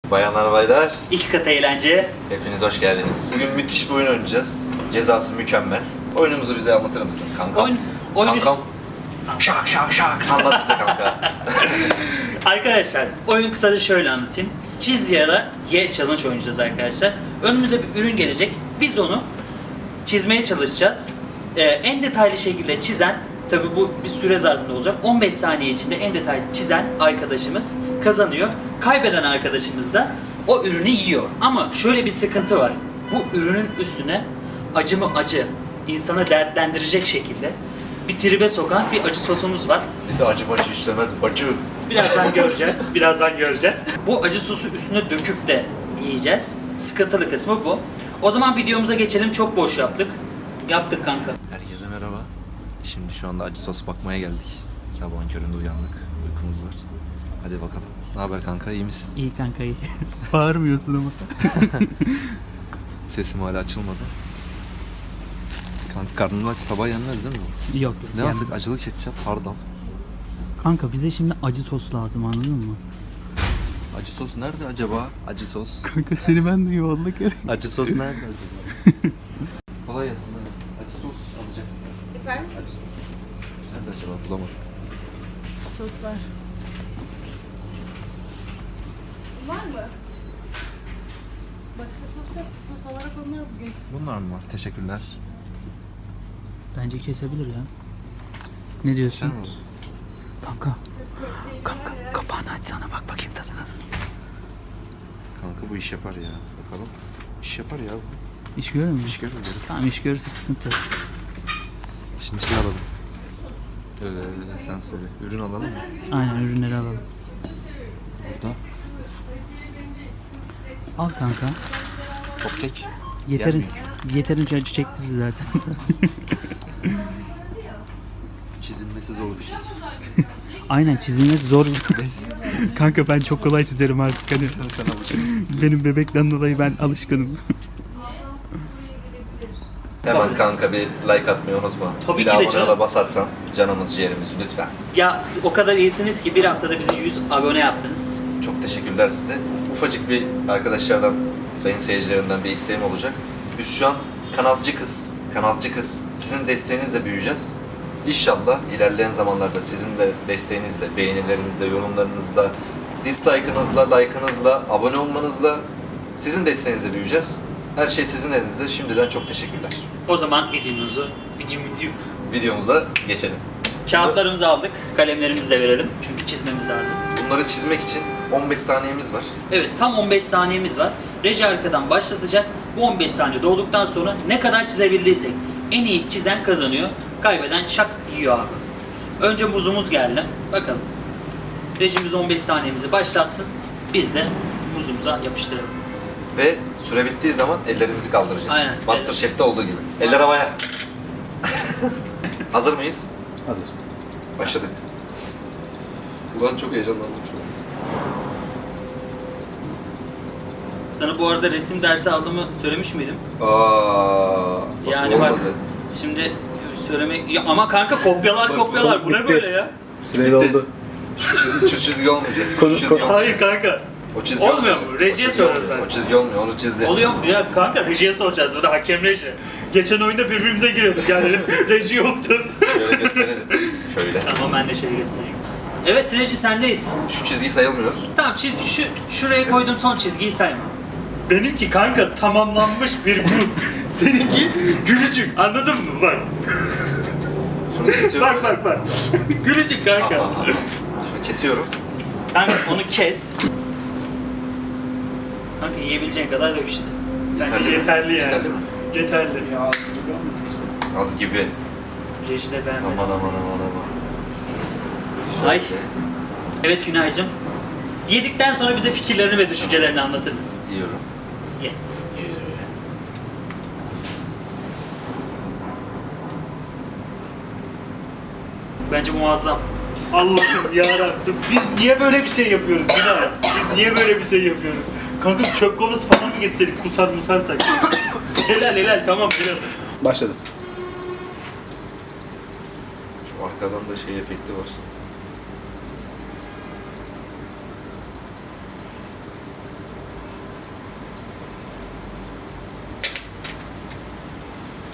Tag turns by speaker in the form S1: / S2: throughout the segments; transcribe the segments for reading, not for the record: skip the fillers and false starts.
S1: Bayanlar baylar,
S2: İki kat eğlence.
S1: hepiniz hoş geldiniz. Bugün müthiş bir oyun oynayacağız. Cezası mükemmel. Oyunumuzu bize anlatır mısın kanka?
S2: Oyun-
S1: Kankam. Şak şak şak. Anlat bize kanka.
S2: Arkadaşlar oyun kısaca şöyle anlatayım. Çiz ya da ye challenge oynayacağız arkadaşlar. Önümüze bir ürün gelecek. Biz onu çizmeye çalışacağız. En detaylı şekilde çizen, tabi bu bir süre zarfında olacak. 15 saniye içinde en detaylı çizen arkadaşımız kazanıyor. Kaybeden arkadaşımız da o ürünü yiyor. Ama şöyle bir sıkıntı var. Bu ürünün üstüne acı mı acı, insana dertlendirecek şekilde bir tribe sokan bir acı sosumuz var.
S1: Bize acı bacı işlemez bacı.
S2: Birazdan göreceğiz. Birazdan göreceğiz. Bu acı sosu üstüne döküp de yiyeceğiz. Sıkıntılı kısmı bu. O zaman videomuza geçelim. Çok boş yaptık. Yaptık kanka.
S1: Herkese merhaba. Şimdi şu anda acı sos bakmaya geldik. Sabahın köründe uyandık. Uykumuz var. Hadi bakalım. Ne haber kanka, iyi misin?
S2: İyi kanka iyi. Bağırmıyorsun ama.
S1: Sesim hala açılmadı. Kanka karnın aç, sabah yenmez değil mi?
S3: Yok.
S1: Ne
S3: yani-
S1: alsak? Acılı ketçap, hardal.
S3: Kanka bize şimdi acı sos lazım, anladın mı?
S1: Acı sos nerede acaba? Acı sos.
S3: Kanka seni ben de yuvarlak
S1: Acı sos nerede acaba? Kolay gelsin. Acı sos alacak.
S4: Efendim?
S1: Acı sos. Nerede acaba? Bulamadım.
S4: Soslar. Var mı? Başka sos yok. Sos olarak onlar bugün.
S1: Bunlar mı var? Teşekkürler.
S3: Bence kesebilir ya. Ne diyorsun?
S1: Sen mi?
S3: Kanka. Kanka kapağını açsana, bak bakayım tadına.
S1: Kanka bu iş yapar ya. Bakalım. İş yapar ya bu.
S3: İş görür mü?
S1: İş görür.
S3: Tamam, iş görürse sıkıntı yok.
S1: Şimdi şey alalım. Sen söyle. Ürün alalım mı?
S3: Aynen, ürünleri alalım.
S1: Burada.
S3: Al kanka.
S1: Popkek.
S3: Yeterince acı çektiririz zaten.
S1: Çizilmesi zor bir şey.
S3: Aynen, çizilmesi zor.
S1: Neyse.
S3: Kanka ben çok kolay çizerim artık hani.
S1: Sen alışırsın.
S3: Benim bebekten dolayı ben alışkınım.
S1: Hemen kanka bir like atmayı unutma.
S2: Tabii
S1: bir
S2: ki
S1: de
S2: de
S1: abone
S2: canım.
S1: ola basarsan canımız ciğerimiz lütfen.
S2: Ya siz o kadar iyisiniz ki bir haftada bizi 100 abone yaptınız.
S1: Çok teşekkürler size. Ufacık bir arkadaşlardan, sayın seyircilerimden bir isteğim olacak. Biz şu an kanalcı kız. Sizin desteğinizle büyüyeceğiz. İnşallah ilerleyen zamanlarda sizin de desteğinizle, beğenilerinizle, yorumlarınızla, dislike'ınızla, like'ınızla, abone olmanızla, sizin desteğinizle büyüyeceğiz. Her şey sizin elinizde. Şimdiden çok teşekkürler.
S2: O zaman
S1: Videomuza geçelim.
S2: kağıtlarımızı aldık. Kalemlerimizi de verelim. Çünkü çizmemiz lazım.
S1: Bunları çizmek için 15 saniyemiz var.
S2: Evet, tam 15 saniyemiz var. Reji arkadan başlatacak. Bu 15 saniye dolduktan sonra ne kadar çizebildiysek en iyi çizen kazanıyor. Kaybeden şak yiyor abi. Önce muzumuz geldi. Bakalım. Rejimiz 15 saniyemizi başlatsın. Biz de muzumuza yapıştıralım.
S1: Ve süre bittiği zaman ellerimizi kaldıracağız.
S2: Aynen.
S1: MasterChef'te olduğu gibi. Eller havaya. Hazır mıyız?
S5: Hazır.
S1: Başladık. Ulan çok heyecanlandım şu an.
S2: Sana bu arada resim dersi aldığımı söylemiş miydim?
S1: Yani
S2: bak.
S1: olmadı.
S2: Şimdi söylemek... Ya ama kanka kopyalar. Bu ne
S5: bitti.
S2: böyle ya?
S5: Süre doldu.
S1: Şu çizgi olmayacak.
S5: Konu-
S1: Şu çizgi olmayacak.
S2: Hayır kanka.
S1: O çizgi
S2: Olmuyor
S1: olmayacak.
S2: mu? Rejiye
S1: O çizgi
S2: soruyoruz
S1: olmuyor.
S2: zaten.
S1: O çizgi olmuyor, onu çizdi.
S2: Oluyor mu? Ya kanka rejiye soracağız. Bu da hakem reji. Geçen oyunda birbirimize giriyorduk yani. Reji yoktu.
S1: Şöyle gösterelim. Şöyle.
S2: Tamam, ben de şöyle göstereyim. Evet reji, sendeyiz.
S1: Şu çizgi sayılmıyor.
S2: Tamam, şuraya koyduğum son çizgiyi sayma. Benimki kanka tamamlanmış bir buz. Seninki gülücük, anladın mı? Bak.
S1: Şunu kesiyorum.
S2: bak. Gülücük kanka.
S1: Aha. Şunu kesiyorum.
S2: Kanka onu kes. Kanka yiyebileceğin kadar dök işte. Bence yeterli yani.
S1: Yeterli mi?
S2: Yeterli.
S5: Ya ağzı gibi ama neyse.
S1: Az gibi.
S2: Reji de beğenmedim.
S1: Aman. Şöyle.
S2: Ay. Evet Günaycığım. Yedikten sonra bize fikirlerini ve düşüncelerini anlatır mısın?
S1: Yiyorum.
S2: Ye. Bence muazzam. Allah'ım yarabbim. Biz niye böyle bir şey yapıyoruz Günay? Biz niye böyle bir şey yapıyoruz? Kanka çöp kovası falan mı getirseydik, kusar musarsak? helal tamam helal.
S5: Başladım.
S1: Şu arkadan da şey efekti var.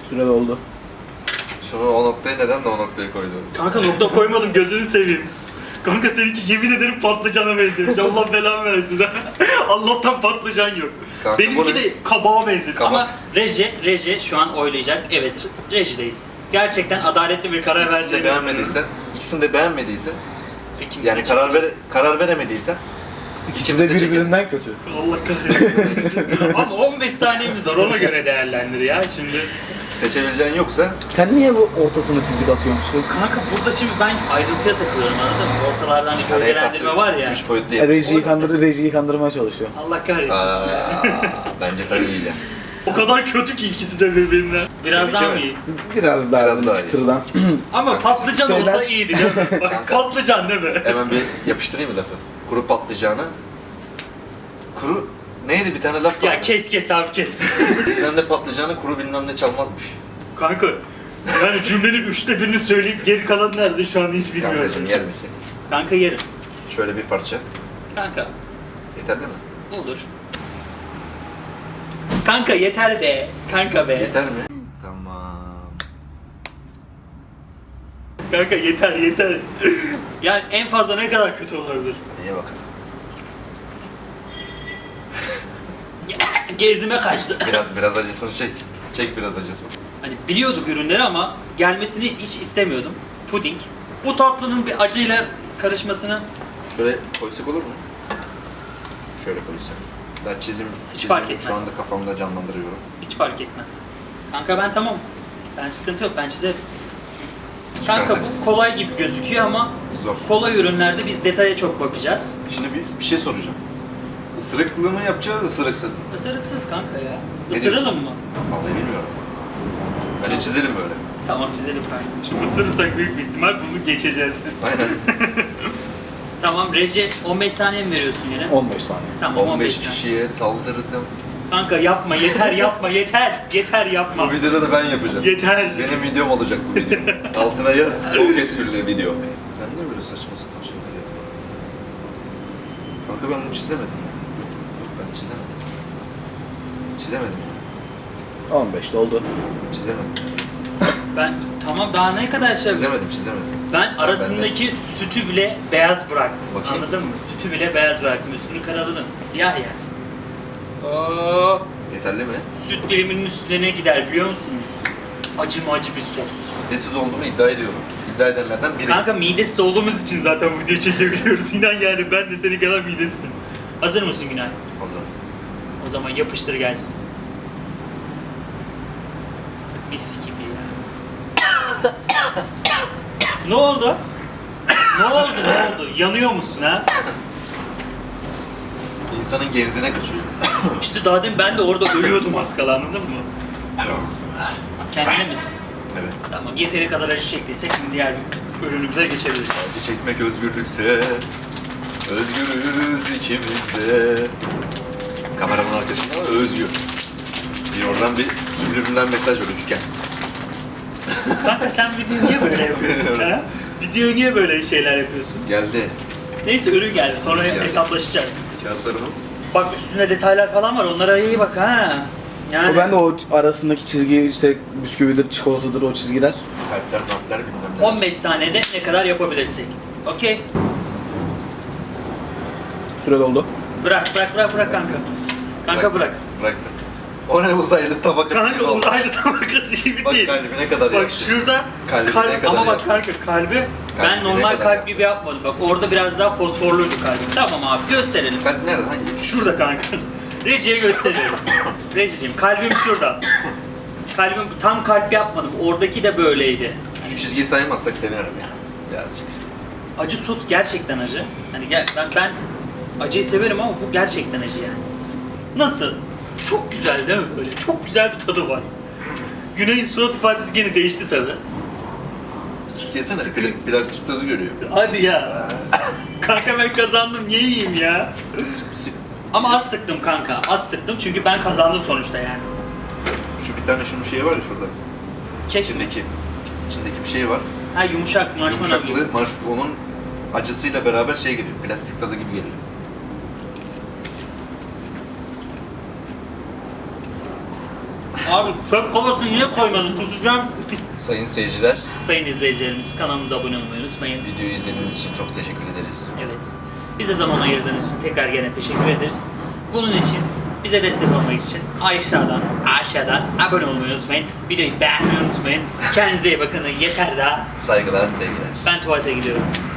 S5: Süre doldu.
S1: Şunu o noktayı neden de o noktaya koydum?
S2: Kanka nokta koymadım gözünü seveyim. Kanka seninki yemin ederim patlıcana benzemiş. Allah belanı versin. Allah'tan patlıcan yok.
S1: Kanka
S2: Benimki
S1: bu ne?
S2: de kabağa benziyor.
S1: Kabak.
S2: Ama reji şu an oylayacak. Evet, rejideyiz. Gerçekten adaletli bir karar
S1: İkisini de
S2: vereceğini
S1: beğenmediysen,
S2: İkimiz
S1: yani
S2: için.
S1: karar veremediysen
S5: İkisi de birbirinden kötü.
S2: Allah kahretsin. Ama 15 saniyemiz var, ona göre değerlendir ya şimdi.
S1: seçebileceğin yoksa
S5: Sen niye bu ortasına çizik atıyorsun?
S2: Kanka burada şimdi ben ayrıntıya takılıyorum, anladın mı? Ortalarda hani gölgelendirme var ya.
S1: 3 boyutlu yapıyorsun.
S5: Rejiyi kandırmaya çalışıyor.
S2: Allah kahretsin.
S1: Bence sen yiyeceksin.
S2: O kadar kötü ki ikisi de birbirinden. Biraz daha mı iyi?
S5: Biraz daha
S1: Biraz daha iyi.
S5: çıtırdan.
S2: Ama patlıcan
S5: Şeyden-
S2: olsa iyiydi değil mi? Bak
S1: Kanka.
S2: patlıcan değil mi?
S1: Hemen bir yapıştırayım mı lafı? Kuru patlıcana. Kuru neydi bir tane laf var.
S2: Ya kes abi kes.
S1: Bilmem ne patlıcana kuru bilmem ne çalmazmış.
S2: Kanka yani cümlenin 1/3'ünü söyleyip geri kalan nerede şu an hiç bilmiyorum.
S1: Kankacığım yer misin?
S2: Kanka yerim.
S1: Şöyle bir parça.
S2: Kanka
S1: Yeterli mi?
S2: olur. Kanka yeter be. Kanka be.
S1: Yeter mi? Tamam.
S2: Kanka yeter. Yani en fazla ne kadar kötü olabilir?
S1: İyi bakalım.
S2: Gezime kaçtı.
S1: Biraz acısını çek. Çek biraz acısını.
S2: Hani biliyorduk ürünleri ama gelmesini hiç istemiyordum. Puding. Bu tatlının bir acıyla karışmasını
S1: Şöyle koysak olur mu? Şöyle koysak. Ben çizim
S2: fark
S1: şu
S2: etmez.
S1: anda kafamda canlandırıyorum.
S2: hiç fark etmez. Kanka ben tamam. Ben sıkıntı yok, ben çizerim. Kanka bu kolay gibi gözüküyor ama
S1: Zor.
S2: kolay ürünlerde biz detaya çok bakacağız.
S1: Şimdi bir şey soracağım. Isırıklı mı yapacağız, ısırıksız mı?
S2: Isırıksız kanka ya.
S1: Ne
S2: Isıralım
S1: diyorsun?
S2: mı?
S1: Vallahi bilmiyorum. Bence çizelim böyle.
S2: Tamam çizelim kanka. Şimdi ısırırsak büyük bir ihtimal bunu geçeceğiz.
S1: Aynen.
S2: Tamam reji 15 saniye mi veriyorsun yine?
S5: 15 saniye.
S2: Tamam 15
S1: 15
S2: saniye.
S1: kişiye saldırdım.
S2: Kanka yapma yeter yapma yeter. Yeter yapma.
S1: Bu videoda da ben yapacağım.
S2: Yeter.
S1: Benim videom olacak bu video. Altına yaz, soğuk esprili video. Ben niye böyle saçma sapan şeyler yapıyorum? Kanka ben bunu çizemedim ya. Yok ben çizemedim. Çizemedim ya.
S5: 15 doldu.
S1: Çizemedim.
S2: Ben tamam daha ne kadar şey
S1: Çizemedim.
S2: Ben arasındaki sütü bile beyaz bıraktım.
S1: Bakayım.
S2: Anladın mı? Sütü bile beyaz bıraktım. Üstünü karaladım. Siyah yani. Oo,
S1: Yeterli mi?
S2: süt diliminin üstüne ne gider biliyor musunuz? Acı bir sos.
S1: Midesiz olduğumu iddia ediyorum. İddia edenlerden biri.
S2: Kanka midesiz olduğumuz için zaten bu videoyu çekebiliyoruz. İnan yani ben de senin kadar midesizim. Hazır mısın Günay?
S1: Hazır.
S2: O zaman yapıştır gelsin. Mis gibi ya. Ne oldu? Ne oldu? Yanıyor musun ha?
S1: İnsanın genzine kaçıyor.
S2: İşte daha demin ben de orada ölüyordum az kala, anladın mı? Kendine misin?
S1: Evet.
S2: Tamam, yeteri kadar acı çektiysek şimdi diğer ürünümüze geçebiliriz.
S1: Acı çekmek özgürlükse özgürüz ikimiz de. Kameramın arkasında Özgür. Bir oradan bir subliminal mesaj var üçgen.
S2: Kanka sen videoyu niye böyle yapıyorsun ha? Videoyu niye böyle şeyler yapıyorsun?
S1: Geldi.
S2: Neyse ürün geldi, sonra
S1: Geldi.
S2: hesaplaşacağız.
S1: Kağıtlarımız.
S2: Bak üstünde detaylar falan var, onlara iyi bak ha. Yani
S5: O ben de o arasındaki çizgi işte bisküvidir, çikolatadır o çizgiler.
S1: Kalpler, martlar bilmem ne.
S2: 15 saniyede ne kadar yapabilirsek. Okey.
S5: Süre doldu.
S2: Bırak kanka. Kanka bırak.
S1: Bıraktım. O ne uzaylı tabakası gibi
S2: Kanka
S1: oldu.
S2: uzaylı tabakası gibi
S1: Bak
S2: değil.
S1: kalbine kadar
S2: Bak
S1: yaptı.
S2: şurada
S1: Kalbine
S2: kalp
S1: kadar
S2: ama bak
S1: yaptı.
S2: kanka kalbi ben
S1: Kalbine
S2: normal
S1: kadar
S2: kalp
S1: yaptı.
S2: gibi yapmadım. Bak orada biraz daha fosforluydu kalbim. Tamam abi gösterelim.
S1: Kalp nerede? Hangi?
S2: Şurada kanka. Rejiye gösteriyoruz. Rejiciğim kalbim şurada. Kalbim tam kalp yapmadım. Oradaki de böyleydi.
S1: Şu çizgiyi saymazsak sevinirim ya. Birazcık.
S2: Acı sos gerçekten acı. Hani ben acıyı severim ama bu gerçekten acı yani. Nasıl? Çok güzel değil mi böyle? Çok güzel bir tadı var. Güney'in surat ifadesi gene değişti tabi.
S1: Sikesene. Plastik tadı görüyor.
S2: Hadi ya. Kanka ben kazandım, niye yiyeyim ya?
S1: Sık.
S2: Ama az sıktım kanka, az sıktım çünkü ben kazandım sonuçta yani.
S1: Şu bir tane şunun şeyi var ya şurada.
S2: Kek,
S1: İçindeki bir şey var.
S2: ha yumuşak, marshmallow gibi.
S1: Yumuşaklığı, onun acısıyla beraber şey geliyor. Plastik tadı gibi geliyor.
S2: Abi çöp kovasını niye koymadın? Kusacağım.
S1: Sayın seyirciler,
S2: Sayın izleyicilerimiz kanalımıza abone olmayı unutmayın.
S1: videoyu izlediğiniz için çok teşekkür ederiz.
S2: Evet. Bize zaman ayırdığınız için tekrar gene teşekkür ederiz. Bunun için bize destek olmak için aşağıdan abone olmayı unutmayın. Videoyu beğenmeyi unutmayın. Kendinize iyi bakın. Yeter daha.
S1: Saygılar, sevgiler.
S2: Ben tuvalete gidiyorum.